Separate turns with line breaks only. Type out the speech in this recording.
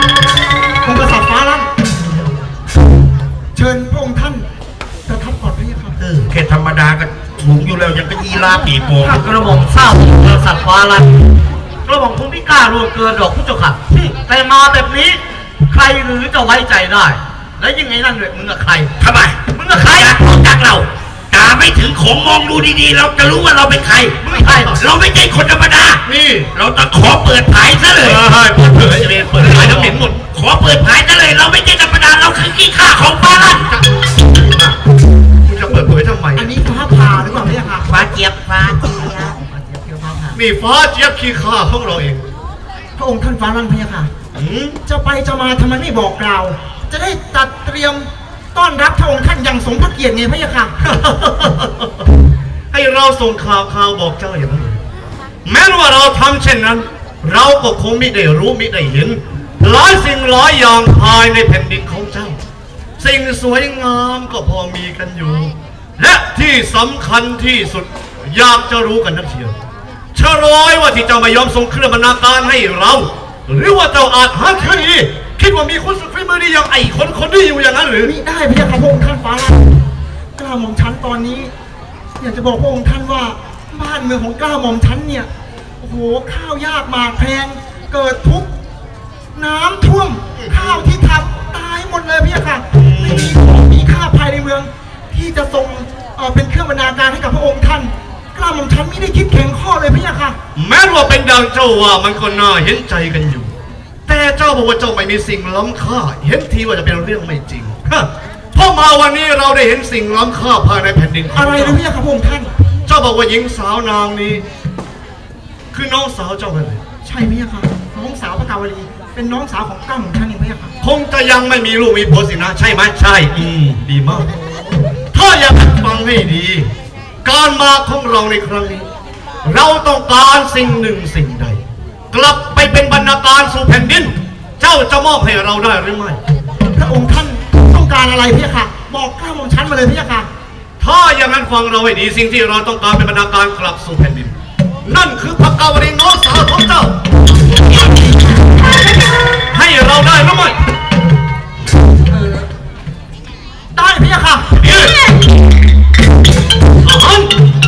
องค์กษัตริย์ฟ้าลั่นเชิญพระองค์ท่านประทับก่อนพระเจ้าค่ะ
แค่ธรรมดาก็สูงอยู่แล้วยังก็ยีราฟปีโป่ง
กระหม่อมทราบกษัตริย์ฟ้าลั่นกระหม่อมคงไม่กล้าร่วงเกินดอกผู้เจ้าค่ะแต่มาแบบนี้ใครหรือจะไว้ใจได้แล้วยังไงนั่นเลยมึงกับใคร
ทำไม
มึงกับใคร
อยากรู้จักเราตาไม่ถึงของมองดูดีๆเราจะรู้ว่าเราเป็นใคร
มึงใคร
เราไม่ใช่คนธรรมดา
นี่
เราต้องขอเปิดเผยซะเลย
เปิดเผยจะเป็นเปิดเผยน้ำเห็นหมด
ขอเปิดเผยซะเลยเราไม่ใช่ธรรมดาเราคือขี้ข้าของฟ้าลั่น
มึงจะเปิดเผยทำไม
อันนี้ฟ้าผ่าหรือเปล่าพระเจ้าค่ะ
ฟ้าเจี๊ยบฟ้าเจี๊ยบ
นี่ฟ้าเจี๊ยบขี้ข้าของเราเอง
พระองค์ท่านฟ้าลั่นพระเจ้าค่ะจะไปจะมาทำไมไม่บอกกล่าวจะได้จัดเตรียมต้อนรับพระองค์ท่านอย่างสมพระเกียรติไงพระยาค่ะ
ให้เราส่งข่าวบอกเจ้าอย่างนั้นแม้ว่าเราทำเช่นนั้นเราก็คงไม่ได้รู้ไม่ได้เห็นหลายสิ่งหลายอย่างภายในแผ่นดินของเจ้าสิ่งสวยงามก็พอมีกันอยู่และที่สำคัญที่สุดอยากจะรู้กันนักเชียวชะร้อยว่าที่เจ้าไม่ยอมส่งเครื่องบรรณาการให้เราหรือว่าเจ้าอาจหาคดีคิดว่ามีคนสุดฝีมือดีอย่างไอ้คนนี้อยู่อย่างนั้นหรือ
มิได้พระยาค่ะพระองค์ท่านฟ้าลั่นกล้าหม่อมชั้นตอนนี้อยากจะบอกพระองค์ท่านว่าบ้านเมืองของกล้าหม่อมชั้นเนี่ยโอ้โหข้าวยากหมากแพงเกิดทุกข์น้ำท่วมข้าวที่ทำตายหมดเลยพระยาค่ะไม่มีของมีค่าภายในเมืองที่จะส่งเป็นเครื่องบรรณาการให้กับพระองค์ท่านกล้าหม่อมชั้นไม่ได้คิดแข็งข้อเลยพระยาค่ะ
แม้ว่าเป็นดังเจ้าว่ามันก็น่าเห็นใจกันอยู่แต่เจ้าบอกว่าเจ้าไม่มีสิ่งล้ำค่าเห็นทีว่าจะเป็นเรื่องไม่จริงเพราะมาวันนี้เราได้เห็นสิ่งล้ำค่าภายในแผ่นดิน
อะไรนะพี่ครับพระองค์ท่าน
เจ้าบอกว่าหญิงสาวนางนี้คือน้องสาวเจ้าเลย
ใช่พี่ครับน้องสาวพระกาวลีเป็นน้องสาวของกล้าหม่อมท่านเองพี่ครับ
คงจะยังไม่มีลูกมีผัวสินะใช่ไหมใช่ดีมากถ้าอยากฟังให้ดีการมาของเราในครั้งนี้เราต้องการสิ่งหนึ่งสิ่งใดกลับไปเป็นบรรณาการสู่แผ่นดินเจ้าจะมอบให้เราได้หรือไม่
พระองค์ท่านต้องการอะไรพี่ค่ะบอกกล้าหม่อมชั้นมาเลยพี่ค่ะ
ถ้าอย่างนั้นฟังเราให้ดีสิ่งที่เราต้องการเป็นบรรณาการกลับสู่แผ่นดินนั่นคือพระกาวลีน้องสาวของเจ้าให้เราได้หรือไม่
ได้พี่ค่ะ
อาหาร